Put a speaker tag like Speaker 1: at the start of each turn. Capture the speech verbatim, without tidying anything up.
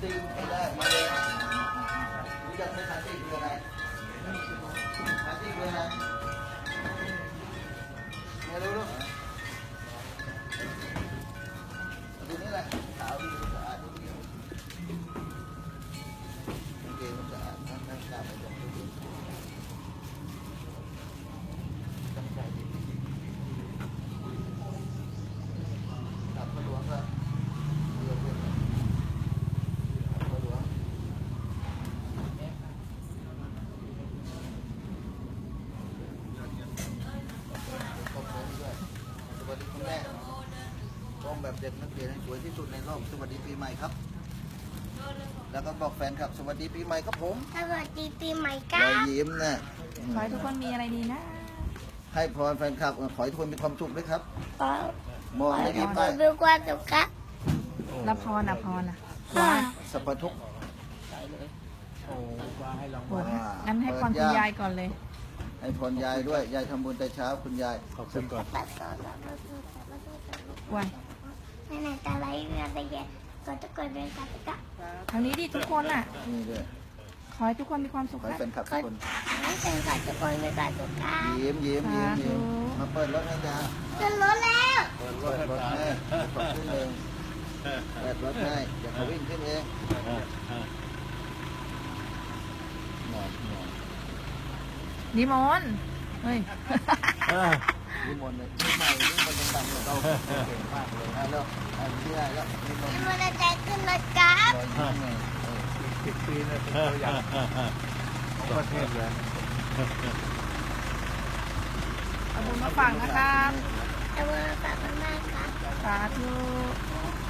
Speaker 1: ตีไม่ได้มาเลยรู้จักไหมคาตีคืออะไรคาตีคืออะไรไม่รู้หรอกดูนี่แหละขาวดีสะอาดดีเกมมันสะอาดทั้งทั้งกาไม่ต้องดูตั้งใจดีกลับมาหลวงก็เรือเพื่อนมาหลวงขอบคุณด้วยสวัสดีคุณแม่ร้องแบบเด็กนักเรียนให้สวยที่สุดในโลกสวัสดีปีใหม่ครับแล้วก็บอกแฟนครับสวัสดีปีใหม่ครับผม
Speaker 2: สวัสดีปีใหม่ค
Speaker 1: ร
Speaker 2: รั
Speaker 1: อย
Speaker 2: บ
Speaker 1: ยิ้มนะ
Speaker 3: ขอให้ทุกคนมีอะไรดีนะ
Speaker 1: ให้พรแฟนคลับขอให้ทุกคนมีความสุขด้วยครับ
Speaker 2: ขอ
Speaker 1: มองไม่
Speaker 2: ให้
Speaker 1: ยิ้ม
Speaker 2: ค
Speaker 1: ไป
Speaker 2: นมีความสุขครับ
Speaker 3: รับพรอ่ะพรอ่ะ
Speaker 2: ค่ะ
Speaker 1: สัพพทุกข์
Speaker 3: โอ้งั้นให้พรคุณยายก่อนเลย
Speaker 1: ให้พรยายด้วยยายทำบุญแต่เช้าคุณยายขอบคุณก่อน
Speaker 2: ปัดต่อต่อต่อต่อต่อ
Speaker 3: ไว้
Speaker 2: ในไหนตาไหลเรือตะเย็นก็จะเกิดเป็นกับกับ
Speaker 3: ทางนี้ดิทุกคนอ่ะ
Speaker 1: นี่ด้วย
Speaker 3: ขอให้ทุกคนมีความสุข
Speaker 1: ขอให้
Speaker 3: นะ
Speaker 1: แฟนคลับทุ
Speaker 2: ก็
Speaker 1: กคน
Speaker 2: ให้เป็นกับทุกคนมีความสุขครับ
Speaker 1: ยิ้มยิ้มยิ้มยิ้มมาเปิดรถให้จ้า
Speaker 2: ขึ้นรถแล้ว
Speaker 1: เปิดรถให้ขอบคุณเองเปิดรถให้เดี๋ยวเขาวิ่งขึ้นเองหมอนหมอน
Speaker 3: นิมนต์เฮ้ย
Speaker 1: นิมนต์เลยนี่ใหม่นี่มันดังๆเราเก่งมากเลยนะแล้วอันนี้ได้แล้วนิมนต์
Speaker 2: มีมอเตอร์ไซค์ขึ้นรถครับ
Speaker 1: รอยยิ้มไงสิบปีเนี่ยเป็นตัวอย่างของประเทศเลย
Speaker 3: เอาบุญมาฝากนะครับ
Speaker 2: เอาเบอร์ฝากมากๆครับ
Speaker 3: สาธุ